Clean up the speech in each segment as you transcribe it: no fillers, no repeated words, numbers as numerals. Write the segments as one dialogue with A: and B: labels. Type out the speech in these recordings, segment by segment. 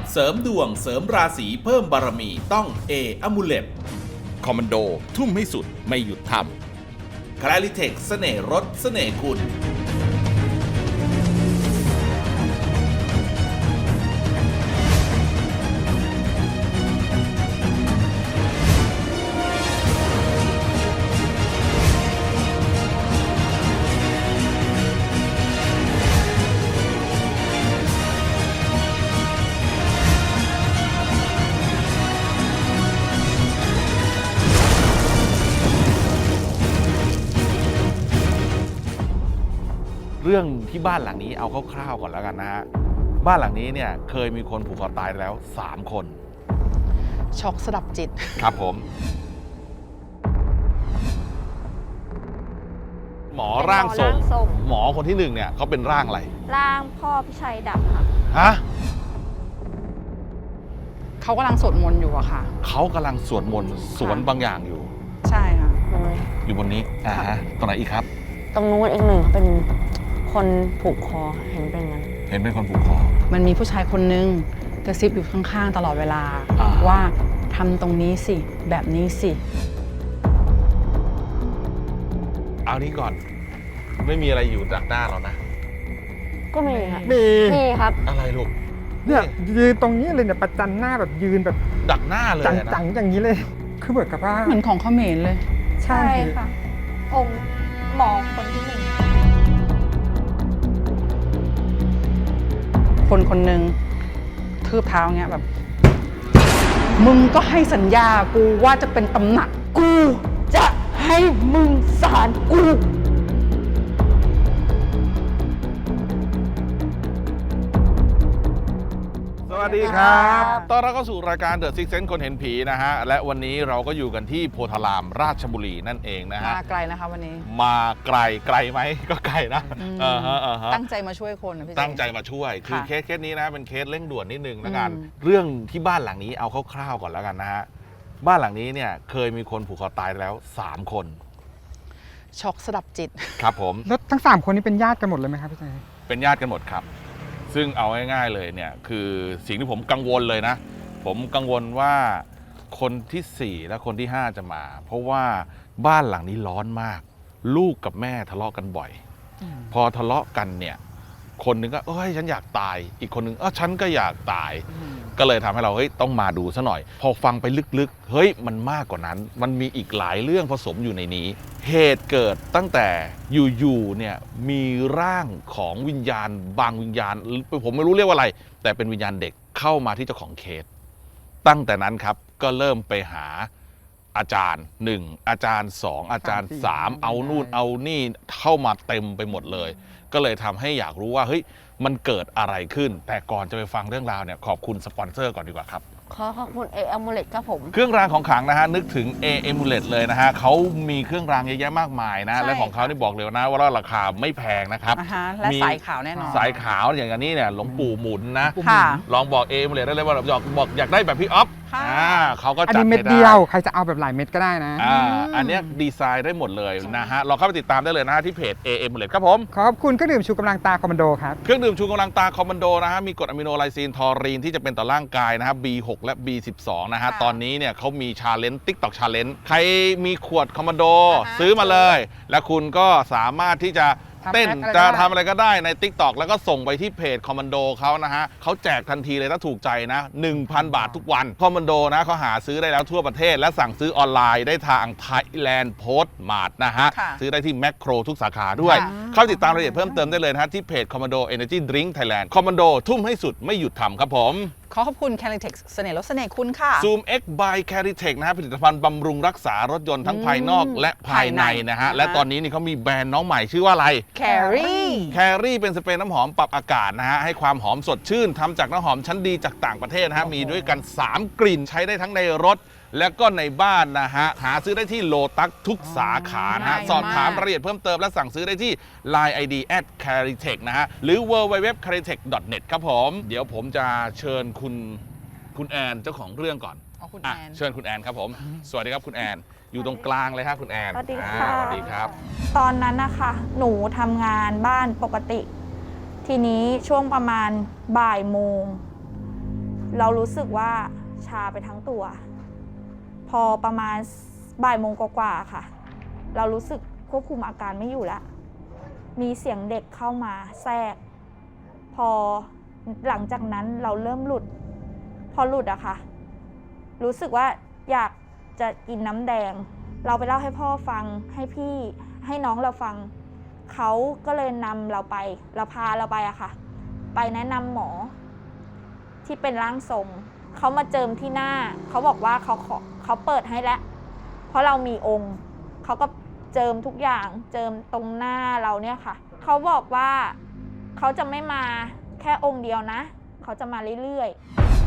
A: เสริมดวงเสริมราศีเพิ่มบารมีต้องเออมูเลตคอมมานโดทุ่มให้สุดไม่หยุดทำคลาริเทคเสน่ห์รสเสน่ห์คุณ
B: เรื่องที่บ้านหลังนี้เอาคร่าวๆก่อนแล้วกันนะฮะบ้านหลังนี้เนี่ยเคยมีคนผูกคอตายแล้ว3 คน
C: ช็อกสลับจิต
B: ครับผมหมอร่างทรงหมอคนที่1เนี่ยเขาเป็นร่างอะไร
D: ร่างพ่อพิชัยดำค่ะ
B: ฮะ
C: เขากำลังสวดมนต์อยู่อะค่ะ
B: เขากำลังสวดมนต์สวนบางอย่างอยู่
C: ใช่ค่ะ
B: อยู่บนนี้ฮะตรงไหนอีกครับ
E: ตรงนู้นอีกหนึ่งเป็นคนผูกคอเห็นเป็นงั้น
B: เห็นเป็นคนผูกคอ
C: มันมีผู้ชายคนนึงกระซิบอยู่ข้างๆตลอดเวลา ว่าทำตรงนี้สิแบบนี้สิ
B: เอานี้ก่อนไม่มีอะไรอยู่จากหน้าเรานะ
E: ก็มีค่ะ
F: มี
E: มีครับ
B: อะไรลูก
F: เนี่ยยืนตรงนี้เลยเนี่ยประจันหน้าแบบยืนแบบ
B: ดักหน้าเลยนะ
F: จังๆอย่างนี้เลย คือเหมือนกับว่า
C: เหมือนของเขมรเลย
D: ใช่ค่ะ องค์หมอคนที่1
C: คนคนหนึ่งทืบเท้าเงี้ยแบบ มึงก็ให้สัญญากูว่าจะเป็นตำหนักกูจะให้มึงสารกู
B: สวัสดีครับต้อนรับเข้าสู่รายการ The Six Sense คนเห็นผีนะฮะและวันนี้เราก็อยู่กันที่โพธารามราชบุรีนั่นเองนะฮะ
C: มาไกลนะคะวันนี้
B: มาไกลไหมก็ไกลนะฮะ
C: ตั้งใจมาช่วยคนนะพี่เจ
B: ตั้งใจมาช่วยคือ
C: ค่ะ
B: เคสนี้นะเป็นเคสเร่งด่วนนิดนึงแล้วกัน
C: อืม
B: เรื่องที่บ้านหลังนี้เอาคร่าวๆก่อนแล้วกันนะฮะบ้านหลังนี้เนี่ยเคยมีคนผูกคอตายแล้ว3 คน
C: ช็อกสลับจิต
B: ครับผม
F: แล้วทั้ง3คนนี้เป็นญาติกันหมดเลยไหมครับพี่ชาย
B: เป็นญาติกันหมดครับ ซึ่งเอาง่ายๆเลยเนี่ยคือสิ่งที่ผมกังวลเลยนะ ผมกังวลว่าคนที่4และคนที่5จะมา เพราะว่าบ้านหลังนี้ร้อนมาก ลูกกับแม่ทะเลาะกันบ่อย พอทะเลาะกันเนี่ยคนหนึงก็เอ้ยฉันอยากตายอีกคนหนึงฉันก็อยากตาย ก็เลยทำให้เราเฮ้ยต้องมาดูซะหน่อย พอฟังไปลึกๆเฮ้ยมันมากกว่านั้น มันมีอีกหลายเรื่องผสมอยู่ในนี้ เหตุเกิดตั้งแต่อยู่ๆเนี่ยมีร่างของวิญญาณบางวิญญาณผมไม่รู้เรียกว่าอะไร แต่เป็นวิญญาณเด็กเข้ามาที่เจ้าของเคสตั้งแต่นั้นครับก็เริ่มไปหาอาจารย์1อาจารย์2อาจารย์3เอานู่นเอานี่เข้ามาเต็มไปหมดเลย ก็เลยทำให้อยากรู้ว่าเฮ้ยมันเกิดอะไรขึ้น แต่ก่อนจะไปฟังเรื่องราวเนี่ยขอบคุณสปอนเซอร์ก่อนดีกว่าครับ
E: ขอขอบคุณอมูเลตครับผม
B: เครื่องรางของขลังนะฮะนึกถึง Amulet เลยนะฮะเขามีเครื่องรางเยอะแยะมากมายนะ
C: ใช่
B: และของเขานี่บอกเลยนะว่าราคาไม่แพงนะครับ
C: และ
B: มี
C: สายขาวแน่นอน
B: สายขาวอย่างนี้เนี่ยหลวงปู่หมุนนะ
C: ค่ะ
B: ลองบอก Amulet ได้เลยว่าอยากได้แบบพี่อ๊อฟ
C: ค่ะ
B: เขาก็
F: อัน
B: จัด
F: นี้เม็ด
B: ให้
F: เดี
B: ได้
F: ยวใครจะเอาแบบหลายเม็ดก็ได้นะ
B: อันเนี้ยดีไซน์ได้หมดเลยนะฮะลองเข้าไปติดตามได้เลยนะฮะที่เพจ Amulet ครับผม
F: ขอบคุณเครื่องดื่มชูกำลังตาคอมมานโดครับ
B: เครื่องดื่มชูกำลังตาคอมมานโดนะฮะมีกรดอะมิโนไลซีนทอรีนที่จะเป็นต่อร่างกายนะฮะ B6 และ B12 นะฮะ
C: ค่ะ
B: ตอนนี้เนี่ยเขามีชาเลนจ์ TikTok Challenge ใครมีขวดคอมมานโด
C: อ่าฮะ
B: ซื้อมาเลย และคุณก็สามารถที่จะเต้น
F: ทำแอคอะไรก็ได้
B: จะทำอะไรก็ได้ใน TikTok แล้วก็ส่งไปที่เพจคอมมานโดเขานะฮะเขาแจกทันทีเลยถ้าถูกใจนะ 1,000 บาททุกวันคอมมานโดนะเขาหาซื้อได้แล้วทั่วประเทศ และสั่งซื้อออนไลน์ได้ทาง Thailand Post Mart นะฮะ
C: ค่ะ
B: ซื้อได้ที่แมคโครทุกสาขาด้วย
C: ค่ะ
B: เข้าติดตามรายละเอียดเพิ่มเติมได้เลยนะฮะที่เพจ Commando Energy Drink Thailand Commando ทุ่มให้สุดไม่หยุดทำครับผม
C: ขอขอบคุณ c a r i t e x เสน่ห์รสเสน่ห์คุณค่ะ
B: Zoom X by Caritech นะฮะผลิตภัณฑ์บำรุงรักษารถยนต์ทั้งภายนอกและภายในนะฮะ
C: ภายใน
B: และตอนนี้นี่เขามีแบรนด์น้องใหม่ชื่อว่าอะไร
C: Carry
B: แครี่เป็นสเปรย์น้ำหอมปรับอากาศนะฮะให้ความหอมสดชื่นทำจากน้ำหอมชั้นดีจากต่างประเทศนะฮะมีด้วยกัน 3 กลิ่นใช้ได้ทั้งในรถ และก็ในบ้านนะฮะหาซื้อได้ที่โลตัสทุกสาขานะฮะ
C: ง่ายมาก
B: สอบถามรายละเอียดเพิ่มเติมและสั่งซื้อได้ที่ Line ID @caritech นะฮะหรือ www.caritech.net ครับผมเดี๋ยวผมจะเชิญคุณแอนเจ้าของเรื่องก่อน
C: อ๋อคุณ
B: อ่ะ
C: แอน
B: เชิญคุณแอนครับผม สวัสดีครับคุณแอน อยู่ตรงกลางเลยครับคุณแอน
D: สวัสดี
B: อ่า
D: ค่ะ
B: สวัสดีครับ
D: ตอนนั้นนะคะหนูทำงานบ้านปกติ ทีนี้ช่วงประมาณบ่ายโมงเรารู้สึกว่าชาไปทั้งตัว พอประมาณบ่ายโมงกว่าๆค่ะ เรารู้สึกควบคุมอาการไม่อยู่แล้วมีเสียงเด็กเข้ามาแทรกพอหลังจากนั้นเราเริ่มหลุดพอหลุดอะค่ะรู้สึกว่าอยากจะกินน้ำแดงเราไปเล่าให้พ่อฟังให้พี่ให้น้องเราฟังเขาก็เลยนำเราไปเราพาเราไปอะค่ะไปแนะนำหมอที่เป็นร่างทรงเขามาเจิมที่หน้าเขาบอกว่าเขาเปิดให้แล้วเพราะเรามีองค์เขาก็เจิมทุกอย่างเจิมตรงหน้าเราเนี่ยค่ะเขาบอกว่าเขาจะไม่มาแค่องค์เดียวนะเขาจะมาเรื่อย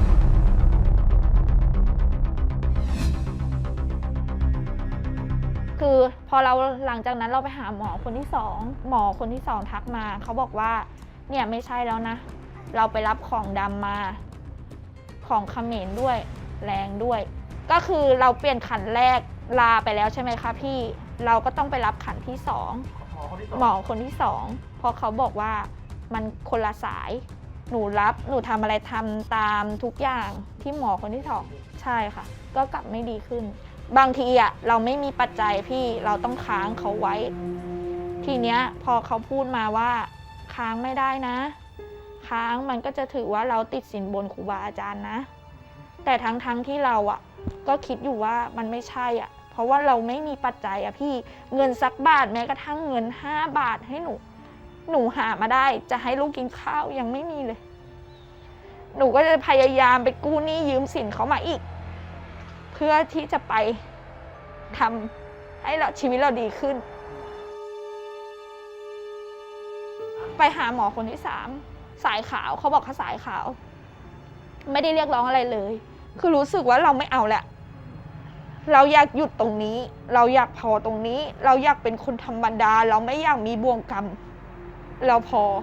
D: ๆคือพอเราหลังจากนั้นเราไปหาหมอคนที่สองหมอคนที่สองทักมาเขาบอกว่าเนี่ยไม่ใช่แล้วนะเราไปรับของดำมาของเขมรด้วยแรงด้วยก็คือเราเปลี่ยนขันแรกลาไปแล้วใช่ไหมคะพี่เราก็ต้องไปรับขันที่สองหมอคนที่สองเพราะเขาบอกว่ามันคนละสายหนูทำอะไรทำตามทุกอย่างที่หมอคนที่สองใช่ค่ะก็กลับไม่ดีขึ้นบางทีอ่ะเราไม่มีปัจจัยพี่เราต้องค้างเขาไว้ทีเนี้ยพอเขาพูดมาว่าค้างไม่ได้นะค้างมันก็จะถือว่าเราติดสินบนครูบาอาจารย์นะแต่ทั้งที่เราอ่ะก็คิดอยู่ว่ามันไม่ใช่อ่ะเพราะว่าเราไม่มีปัจจัยอ่ะพี่เงินสักบาทแม้กระทั่งเงิน5 บาทให้หนูหามาได้จะให้ลูกกินข้าวยังไม่มีเลยหนูก็จะพยายามไปกู้หนี้ยืมสินเขามาอีกเพื่อที่จะไปทำให้ชีวิตเราดีขึ้นไปหาหมอคนที่3สายขาวเขาบอกเขาสายขาวไม่ได้เรียกร้องอะไรเลยคือรู้สึกว่าเราไม่เอาแหละเราอยากหยุดตรงนี้เราอยากพอตรงนี้เราอยากเป็นคนธรรมดาเราไม่อยากมีบ่วงกรรมเราพอ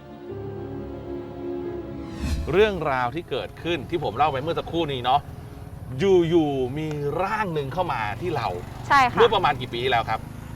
B: เรื่องราวที่เกิดขึ้นที่ผมเล่าไปเมื่อสักครู่นี้เนาะอยู่มีร่างหนึ่งเข้ามาที่เรา
D: ใช่ค่ะ
B: เมื่อประมาณกี่ปีที่แล้วครับ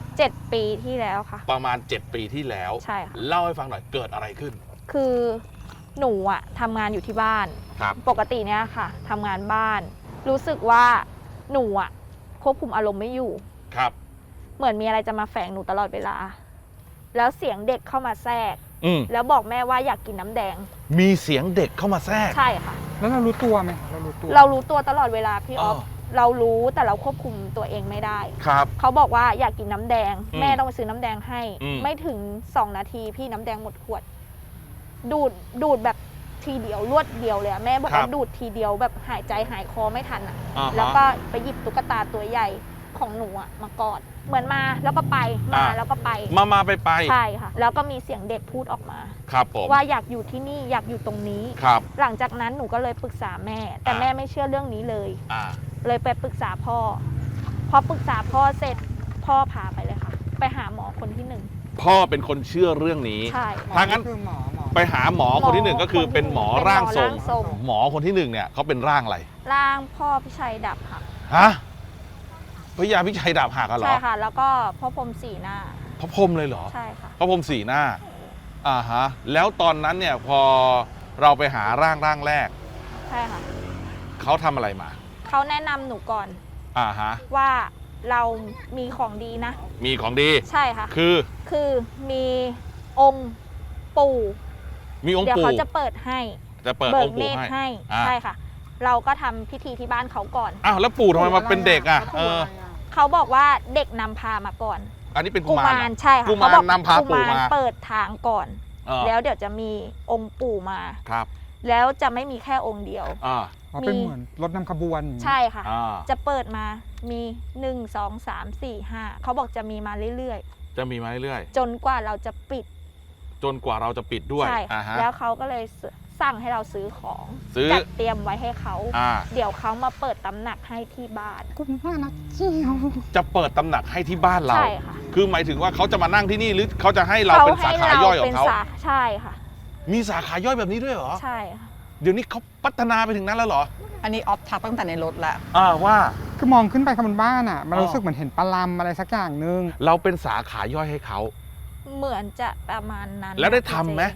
D: 7 ปีที่แล้วค่ะ
B: ประมาณ7 ปีที่แล้ว
D: ใช่ค่ะ
B: เล่าให้ฟังหน่อยเกิดอะไรขึ้น
D: คือหนูอะทำงานอยู่ที่บ้านปกติเนี้ยค่ะทำงานบ้านรู้สึกว่าหนูอะควบคุมอารมณ์ไม่อยู่
B: ครับ
D: เหมือนมีอะไรจะมาแฝงหนูตลอดเวลาแล้วเสียงเด็กเข้ามาแทรกแล้วบอกแม่ว่าอยากกินน้ำแดง
B: มีเสียงเด็กเข้ามาแทรก
D: ใช่ค่ะ
F: แล้วเรารู้ตัวไหมเรารู้
D: ตัวตลอดเวลาพี่ออฟเรารู้แต่เราควบคุมตัวเองไม่ได้
B: ครับ
D: เขาบอกว่าอยากกินน้ำแดงแม่ต้องไปซื้อน้ำแดงให้ไม่ถึง2 นาทีพี่น้ำแดงหมดขวดดูดแบบทีเดียวรวดเดียวเลยแม่บอกว่าดูดทีเดียวแบบหายใจหายคอไม่ทันแล้วก็ไปหยิบตุ๊กตาตัวใหญ่ของหนูมากอดเหมือนมาแล้วก็ไปมาแล้วก็ไป
B: มาไป
D: ใช่ค่ะแล้วก็มีเสียงเด็กพูดออกมา
B: ครับผม
D: ว่าอยากอยู่ที่นี่อยากอยู่ตรงนี้
B: ครับ
D: หลังจากนั้นหนูก็เลยปรึกษาแม่แต่แม่ไม่เชื่อเรื่องนี้เลยเลยไปปรึกษาพ่อพอปรึกษาพ่อเสร็จพ่อพาไปเลยค่ะไปหาหมอคนที่1
B: พ่อเป็นคนเชื่อเรื่องนี้
D: ใช่
B: ถ้างั้นไปหาหมอคนที่1ก็คือเป็นหมอร่างทรงหมอคนที่1เนี่ยเขาเป็นร่างอะไร
D: ร่างพ่อพิชัยดับหัก
B: ฮะพระยาพิชัยดาบหักเหรอ
D: ใช่ค่ะแล้วก็พ่อพรหม4 หน้า
B: พระพรหมเลยเหรอ
D: ใช่ค่ะ
B: พระพรหม4 หน้าฮะแล้วตอนนั้นเนี่ยพอเราไปหาร่างแรก
D: ใช่ค่ะ
B: เขาทำอะไรมา
D: เขาแนะนำหนูก่อน
B: ฮะ
D: ว่าเรามีของดีนะ
B: มีของดี
D: ใช่ค่ะ
B: คือ
D: มีองค์ปู่
B: มีองค์ปู่
D: เดี๋ยวเขาจะเปิดให้
B: จะเปิดองค์ปู่
D: ให้ใช่ค่ะเราก็ทำพิธีที่บ้านเขาก่อน
B: แล้วปู่ทำไมมาเป็นเด็ก
D: เขาบอกว่าเด็กนำพามาก่อน
B: อันนี้เป็นกุมาร
D: ใช่ค่ะ
B: กุมารนำพาปู่มา
D: เปิดทางก่อนแล้วเดี๋ยวจะมีองค์ปู่มา
B: ครับ
D: แล้วจะไม่มีแค่องค์เดียว
F: เป็นเหมือนรถนำขบวน
D: ใช่ค่ะจะเปิดมามี1 2 3 4 5เขาบอกจะมีมาเรื่อย
B: ๆจะมีมาเรื่อย
D: ๆจนกว่าเราจะปิด
B: ด้วย
D: ใช่แล้วเขาก็เลยสั่งให้เราซื้อของจัดเตรียมไว้ให้เขาเดี๋ยวเขามาเปิดตำหนักให้ที่บ้าน
F: คุณพ่อนะเจียว
B: จะเปิดตำหนักให้ที่บ้านเรา
D: ใช่ค่ะ
B: คือหมายถึงว่าเขาจะมานั่งที่นี่หรือเขาจะให้เราเป็นสาขาย่อยของเขา
D: ใช่ค่ะ
B: มีสาขาย่อยแบบนี้ด้วยเหรอ
D: ใช่ค่ะ
B: เดี๋ยวนี้เขาพัฒนาไปถึงนั้นแล้วเหรอ
C: อันนี้ออฟทักตั้งแต่ในรถแล้ว
B: ว่า
F: คือมองขึ้นไปข้างบนบ้านมันรู้สึกเหมือนเห็นปลาลำอะไรสักอย่างนึง
B: เราเป็นสาขาย่อยให้เขา
D: เหมือนจะประมาณนั้น
B: แล้วได้ทำไหม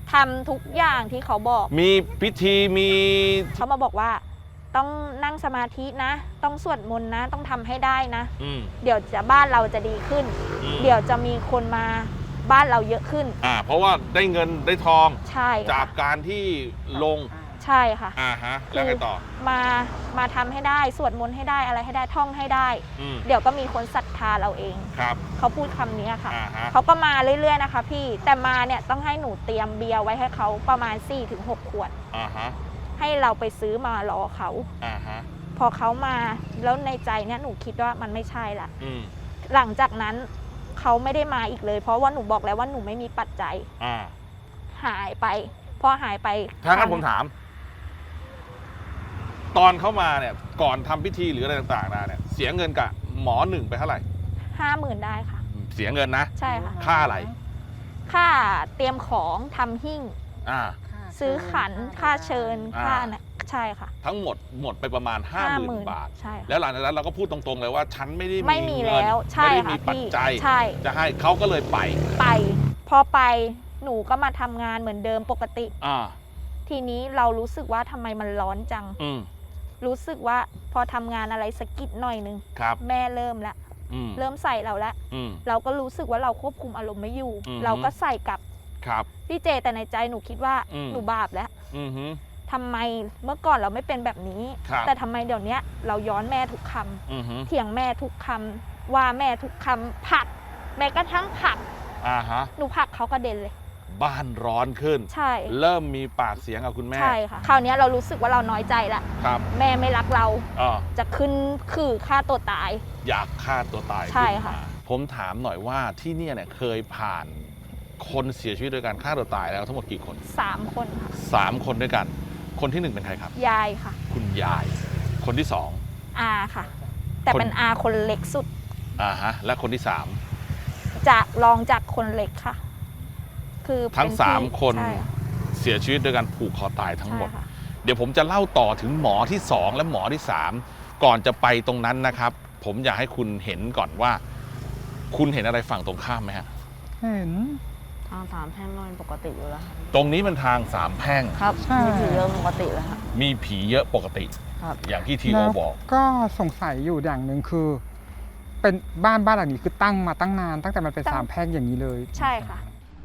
D: ทำทุกอย่างที่เขาบอก
B: มีพิธีมี
D: เขามาบอกว่าต้องนั่งสมาธินะ ต้องสวดมนต์นะ ต้องทำให้ได้นะ
B: อืม
D: เดี๋ยวจะบ้านเราจะดีขึ้น
B: อืม
D: เดี๋ยวจะมีคนมาบ้านเราเยอะขึ้น
B: เพราะว่าได้เงินได้ทอง
D: ใช่
B: จา
D: ค่ะ
B: กการที่ลง
D: ใช่ค่ะ
B: ฮะแล้วไงต่อ
D: มาทำให้ได้สวดมนต์ให้ได้อะไรให้ได้ท่องให้ได้
B: อืม
D: เดี๋ยวก็มีคนศรัทธาเราเอง
B: ครับ
D: เขาพูดคำนี้ค่ะ
B: ฮะ
D: เขาก็มาเรื่อยๆนะคะพี่แต่มาเนี่ยต้องให้หนูเตรียมเบียร์ไว้ให้เขาประมาณ 4-6 ขวด
B: ฮะ
D: ให้เราไปซื้อมารอเขา
B: ฮะ
D: พอเขามาแล้วในใจเนี่ยหนูคิดว่ามันไม่ใช่ละ
B: อืม
D: หลังจากนั้นเขาไม่ได้มาอีกเลย เพราะว่าหนูบอกแล้วว่าหนูไม่มีปัจจัย หายไปพอหายไป
B: ถ้างั้นผมถาม ตอนเข้ามาเนี่ยก่อนทำพิธีหรืออะไรต่างๆเนี่ยเสียเงินกับหมอหนึ่งไปเท่าไหร่
D: 50,000ได้ค่ะ
B: เสียเงินนะ
D: ใช่ค่ะ
B: ค่าอะไร
D: ค่าเตรียมของทำหิ้ง
B: อ่า
D: ซื้อขันค่าเชิญ
B: อ่า
D: ค่าเนี่ยใช่ค่ะ
B: ทั้งหมดไปประมาณ 50,000 บาท
D: ใช่ค่ะ
B: แล้วหลังจากนั้นเราก็พูดตรงๆเลยว่าฉันไม่ได้
D: ไม่มี
B: เงิน
D: แล้วใช่
B: ไม่ได้
D: ค่ะ
B: มีปัจ
D: พี่
B: จัย
D: ใช่
B: จะให้เขาก็เลยไป
D: ไปพอไปหนูก็มาทำงานเหมือนเดิมปกติ
B: อ่า
D: ทีนี้เรารู้สึกว่าทำไมมันร้อนจัง
B: อืม
D: รู้สึกว่าพอทำงานอะไรสะกิดหน่อยนึง
B: ครับ
D: แม่เริ่มละ
B: อืม
D: เริ่มใส่เราละ
B: อืม
D: เราก็รู้สึกว่าเราควบคุมอารมณ์ไม่อยู่
B: อือฮึ
D: เราก็ใส่กลับ
B: ครับ
D: พี่เจแต่ในใจหนูคิดว่า
B: อืม
D: หนูบาปแล้ว
B: อือฮึ
D: ทำไมเมื่อก่อนเราไม่เป็นแบบนี้
B: ครับ
D: แต่ทำไมเดี๋ยวนี้เราย้อนแม่ทุกคำ
B: อือฮึ
D: เถียงแม่ทุกคำว่าแม่ทุกคำผลักแม้กระทั่งผลัก
B: ฮะ
D: หนูผลักเขากระเด็นเลย
B: บ้านร้อนขึ้น
D: ใช่
B: เริ่มมีปากเสียงกับคุณแม่
D: ใช่ค่ะคราวนี้เรารู้สึกว่าเราน้อยใจละ
B: ครับ
D: แม่ไม่รักเรา
B: อ่า
D: จะขึ้นคือฆ่าตัวตาย
B: อยากฆ่าตัวตาย
D: ใช่
B: ขึ้น
D: ค่ะ
B: มาผมถามหน่อยว่าที่เนี่ยเคยผ่านคนเสียชีวิตโดยการฆ่าตัวตายแล้วทั้งหมดกี่คน
D: 3 คนค่ะ
B: 3 คนด้วยกัน คนที่ 1 เป็นใครครับ
D: ยายค่ะ
B: คุณยาย คนที่
D: อาค่ะ แต่
B: คน
D: เป็นอาคนเล็กสุด
B: 2ฮะและคนที่
D: จะรองจากคนเล็กค่ะ คือ
B: 3 ทั้ง
D: เป็นพี่
B: 3 คน
D: ใช่ค่ะ
B: เสียชีวิตโดยการผูกคอตายทั้งหมด
D: ใช่ค่ะ
B: เดี๋ยวผมจะเล่าต่อถึงหมอที่ 2 และหมอที่ 3 ก่อนจะไปตรงนั้นนะครับ ผมอยากให้คุณเห็นก่อนว่า คุณเห็นอะไรฝั่งตรงข้ามไหมฮะ
F: เห็น
E: ทางสามแพร่งก็เป็นปกติอยู่แล้วครับ
B: ตรงนี้มันทางสามแพร่ง
E: ครับ
F: ใช่
E: มีผีเยอะปกติเลยครับ
B: มีผีเยอะปกติ
E: ครับ
B: อย่างที่ทีโอ
F: แล้ว
B: บอก
F: ก็สงสัยอยู่อย่างหนึ่งคือ เป็นบ้านหลังนี้คือตั้งมาตั้งนานตั้งแต่มันเป็น
D: ตั้ง
F: สามแพร่งอย่างนี้เลย
D: ใช่ค่ะ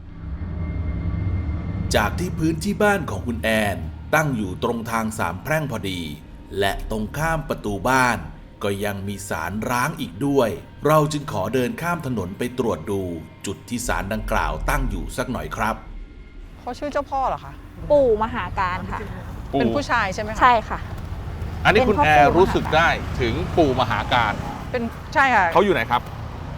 A: จากที่พื้นที่บ้านของคุณแอนตั้งอยู่ตรงทางสามแพร่งพอดี และตรงข้ามประตูบ้าน ก็ยังมีศาลร้างอีกด้วย เราจึงขอเดินข้ามถนนไปตรวจดู จุดที่ศาลดังกล่าวตั้งอยู่สักหน่อยครับ
C: เขาชื่อเจ้าพ่อเหรอคะ
D: ปู่มหาการค่ะ
C: เป็นผู้ชายใช่ไหมคะ
D: ใช่ค่ะ
B: อันนี้คุณ
D: เป็นพ่อ
B: แอ
D: ปู่
B: ร์รู้สึกได้ถึงปู่มหาการ
C: เป็นใช่ค่ะ
B: เขาอยู่ไหนครับ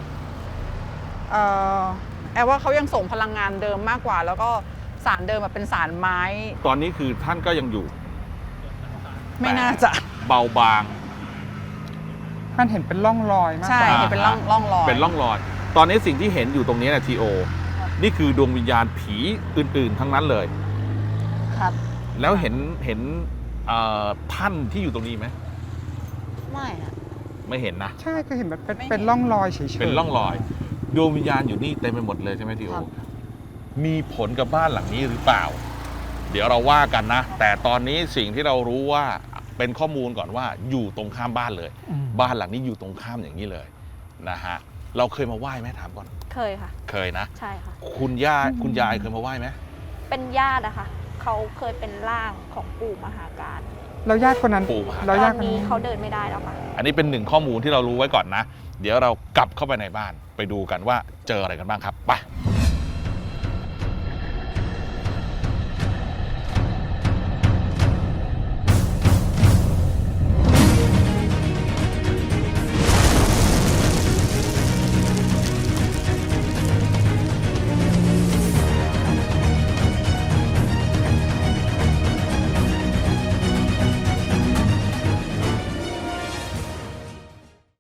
C: แอบว่าเขายังส่งพลังงานเดิมมากกว่า แล้วก็สารเดิมเป็นสารไม้
B: ตอนนี้คือท่านก็ยังอยู่
C: ไม่น่าจะ
B: เบาบาง
F: มันเห็นเป็นร่องรอยมาก
C: ใช่
F: กว่า
C: เห็นเป็นร่องรอย
B: เป็นร่องรอย ตอนนี้สิ่งที่เห็นอยู่ตรงนี้นะทีโอ นี่คือดวงวิญญาณผีอื่น ๆ ทั้งนั้นเลย
E: ครับ
B: แล้วเห็นท่านที่อยู่ตรงนี้ไหม
E: ไม่ฮะ
B: ไม่เห็นนะ
F: ใช่คือเห็นแบบเป็นร่องรอยเฉยๆ
B: เป็นร่องรอย ดวงวิญญาณอยู่นี่เต็มไปหมดเลยใช่ไหมทีโอ
E: ครับ
B: มีผลกับบ้านหลังนี้หรือเปล่า เดี๋ยวเราว่ากันนะ แต่ตอนนี้สิ่งที่เรารู้ว่าเป็นข้อมูลก่อนว่าอยู่ตรงข้ามบ้านเลย
F: อืม
B: บ้านหลังนี้อยู่ตรงข้ามอย่างนี้เลยนะฮะ เราเคยมาไหว้ไหมถามก่อน
D: เคยค่ะ
B: เคยนะ
D: ใช่ค่ะ
B: คุณยายเคยมาไหว้ไหม
D: เป็นญาติอะค่ะ เขาเคยเป็นร่างของปู่มหาการ
F: แล้วญาติคนนั้น
B: ปู่มหา
F: แล้ว
D: ต
F: ญา
D: อ
F: ติ
D: น
F: คน
D: นี้
F: นั้น
D: เขาเดินไม่ได้แล้วค่ะ
B: อันนี้เป็นหนึ่งข้อมูลที่เรารู้ไว้ก่อนนะ เดี๋ยวเรากลับเข้าไปในบ้านไปดูกันว่าเจออะไรกันบ้างครับไป